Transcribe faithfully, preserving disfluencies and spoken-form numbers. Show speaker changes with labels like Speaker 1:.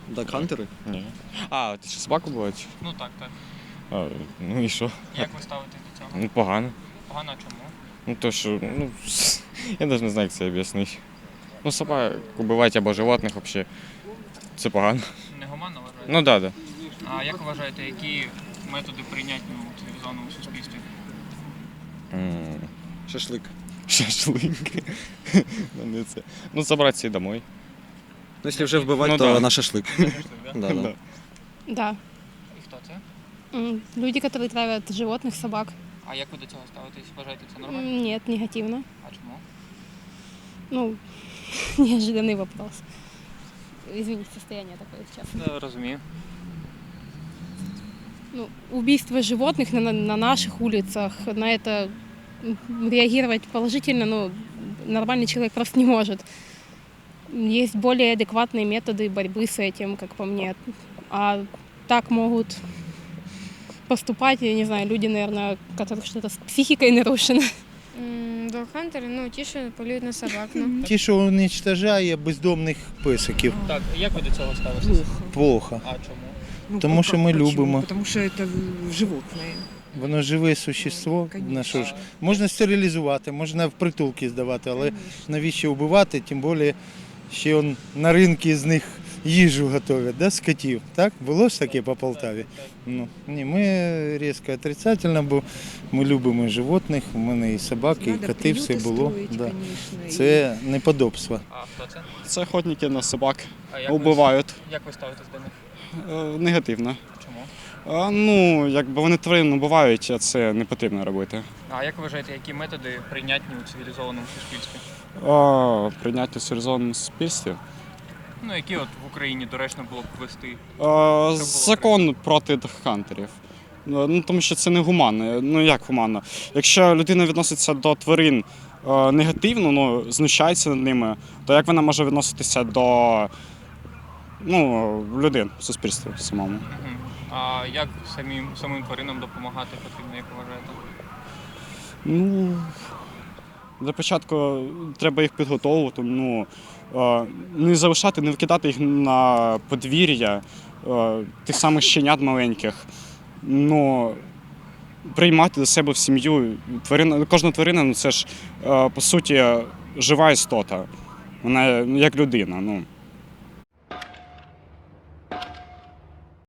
Speaker 1: Дакхантери?
Speaker 2: Ні. А, ти що, собаку бувають?
Speaker 3: Ну так, так.
Speaker 2: А, ну і що?
Speaker 3: Як ви ставитесь до цього?
Speaker 2: Ну, погано.
Speaker 3: Погано чому?
Speaker 2: Ну то що, ну, я навіть не знаю, як це об'яснити. Ну, собак убивати або животних взагалі, це погано.
Speaker 3: Негуманно вважаєте?
Speaker 2: Ну, так, да, так. Да.
Speaker 3: А як ви вважаєте, які методи прийнятні у цивілізованому суспільстві?
Speaker 2: М,
Speaker 1: Шашлик.
Speaker 2: Шашлик. Ну, не це. Ну, забрати домой.
Speaker 1: Ну, якщо вже вбивати,
Speaker 2: Ну,
Speaker 1: то
Speaker 2: да.
Speaker 1: на шашлик.
Speaker 3: Шашлик, да?
Speaker 1: Да, да.
Speaker 2: Да.
Speaker 4: Да.
Speaker 3: І хто це?
Speaker 4: М, Люди, которые травят животных, собак.
Speaker 3: А як ви до цього ставитесь? Вважаєте це нормально?
Speaker 4: М, Нет, негативно.
Speaker 3: А чому?
Speaker 4: Ну, неожиданный вопрос. Извините, состояние такое сейчас.
Speaker 3: Не розумію.
Speaker 4: Ну, убийство животных на, на наших улицах, на это м, реагировать положительно, ну, нормальный человек просто не может. Есть более адекватные методы борьбы с этим, как по мне. А так могут поступать, я не знаю, люди, наверное, у которых что-то с психикой нарушено.
Speaker 5: Догхантери, ну ті, що полюють на собак. Ну.
Speaker 6: Ті, що уничтожає бездомних песиків,
Speaker 3: Так, як ви до цього ставитесь?
Speaker 6: плохо.
Speaker 3: А чому?
Speaker 7: Ну,
Speaker 6: Тому що ми
Speaker 7: почему?
Speaker 6: любимо.
Speaker 7: Потому что это животные.
Speaker 6: Воно живе существо.
Speaker 7: Конечно.
Speaker 6: На що ж? Можна стерилізувати, можна в притулки здавати, але навіщо вбивати, тим більше ще он на ринку з них їжу готують, да, з котів. Так? Було ж таке по Полтаві? Ну, ні, ми різко отрицательно, бо ми любимо животних, у мене і собаки, і
Speaker 7: Надо
Speaker 6: коти, все
Speaker 7: приюти
Speaker 6: було.
Speaker 7: строїть,
Speaker 6: Да.
Speaker 7: конечно,
Speaker 6: Це неподобство.
Speaker 3: А хто це?
Speaker 8: Це охотники на собак.
Speaker 3: А як
Speaker 8: Убивають.
Speaker 3: Ви, як ви ставитесь до них?
Speaker 8: Е, негативно.
Speaker 3: Чому?
Speaker 8: А, ну, якби вони тварин убивають, а це не потрібно робити.
Speaker 3: А як ви вважаєте, які методи прийнятні у цивілізованому суспільстві?
Speaker 8: А, прийняти в цивілізованому суспільстві.
Speaker 3: Ну, які от в Україні доречно було б ввести?
Speaker 8: А, закон проти хантерів. Ну, тому що це не гуманно. Ну, як гуманно? Якщо людина відноситься до тварин е, негативно, ну, знущається над ними, то як вона може відноситися до ну, людей в суспільстві самому?
Speaker 3: Угу. А як самим, самим тваринам допомагати потрібно, як ви вважаєте?
Speaker 8: Ну, для початку треба їх підготовувати, ну, е, не залишати, не викидати їх на подвір'я е, тих самих щенят маленьких. Ну, приймати до себе в сім'ю. Тварина, кожна тварина, ну, це ж, е, по суті, жива істота. Вона як людина. Ну.